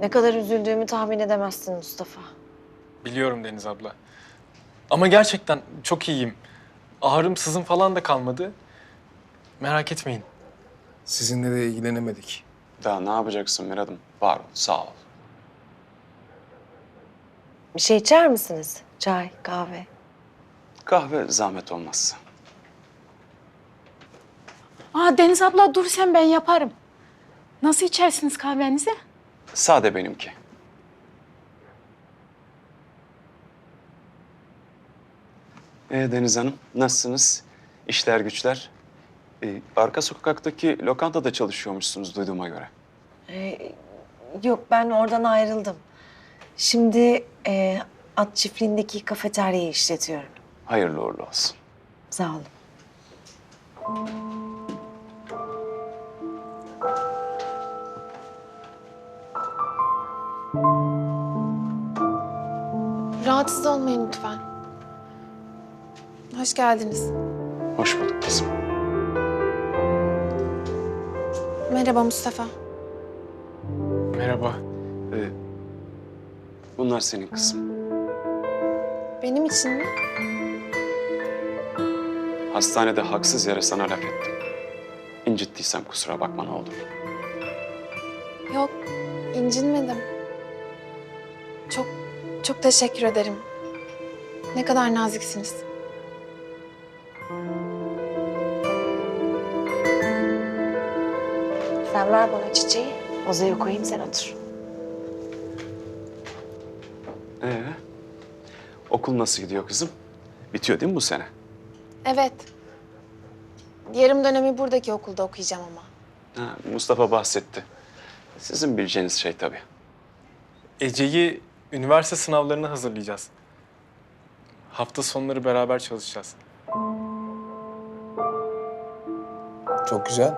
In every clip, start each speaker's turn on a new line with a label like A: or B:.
A: Ne kadar üzüldüğümü tahmin edemezsin Mustafa.
B: Biliyorum Deniz abla. Ama gerçekten çok iyiyim. Ağrım, sızım falan da kalmadı. Merak etmeyin.
C: Sizinle de ilgilenemedik.
D: Daha ne yapacaksın Mirat'ım? Var ol, sağ ol.
A: Bir şey içer misiniz? Çay, kahve.
D: Kahve zahmet olmazsa.
E: Deniz abla dur sen, ben yaparım. Nasıl içersiniz kahvenizi?
D: Sade benimki. Deniz Hanım, nasılsınız? İşler güçler? Arka sokaktaki lokantada çalışıyormuşsunuz duyduğuma göre.
A: Yok, ben oradan ayrıldım. Şimdi at çiftliğindeki kafeteryayı işletiyorum.
D: Hayırlı uğurlu olsun.
A: Sağ olun.
F: Rahatsız olmayın lütfen. Hoş geldiniz.
D: Hoş bulduk kızım.
F: Merhaba Mustafa.
B: Merhaba.
D: Bunlar senin kızım.
F: Benim için mi?
D: Hastanede haksız yere sana laf ettim. İncittiysem kusura bakma ne olur.
F: Yok, incinmedim. Çok teşekkür ederim. Ne kadar naziksiniz.
A: Sen ver bana çiçeği. Vazoya koyayım, sen otur.
D: Okul nasıl gidiyor kızım? Bitiyor değil mi bu sene?
F: Evet. Yarım dönemi buradaki okulda okuyacağım ama.
D: Mustafa bahsetti. Sizin bileceğiniz şey tabii.
B: Ece'yi üniversite sınavlarına hazırlayacağız. Hafta sonları beraber çalışacağız.
C: Çok güzel.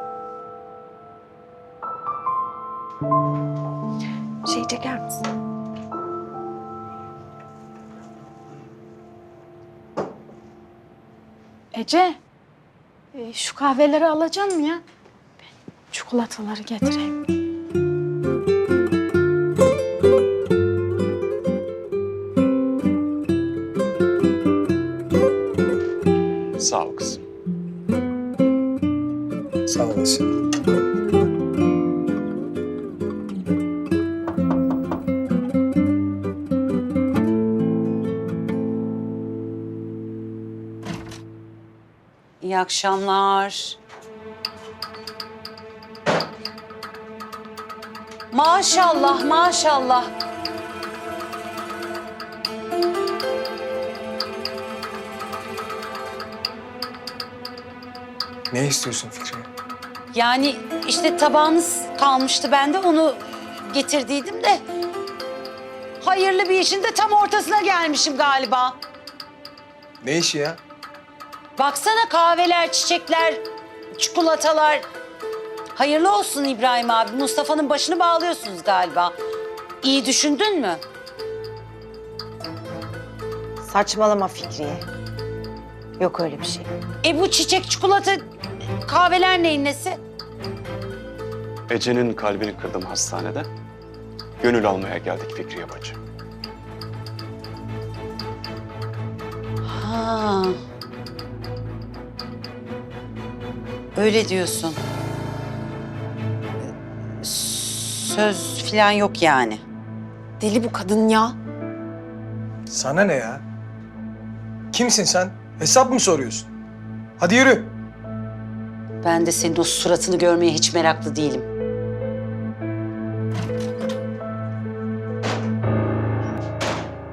A: Şey çeker misin?
E: Ece, şu kahveleri alacak mı ya? Ben çikolataları getireyim.
D: Sağ ol kızım.
C: Sağ olasın.
G: İyi akşamlar. Maşallah, maşallah.
C: Ne istiyorsun Fikri?
G: Yani işte tabağınız kalmıştı, ben de onu getirdiydim de. Hayırlı bir işin de tam ortasına gelmişim galiba.
C: Ne işi ya?
G: Baksana, kahveler, çiçekler, çikolatalar. Hayırlı olsun İbrahim abi. Mustafa'nın başını bağlıyorsunuz galiba. İyi düşündün mü?
A: Saçmalama Fikriye. Yok öyle bir şey.
G: Bu çiçek, çikolata, kahveler neyin nesi?
D: Ece'nin kalbini kırdım hastanede. Gönül almaya geldik Fikriye bacı.
G: Ha. Öyle diyorsun. Söz falan yok yani.
F: Deli bu kadın ya.
C: Sana ne ya? Kimsin sen? Hesap mı soruyorsun? Hadi yürü.
G: Ben de senin o suratını görmeye hiç meraklı değilim.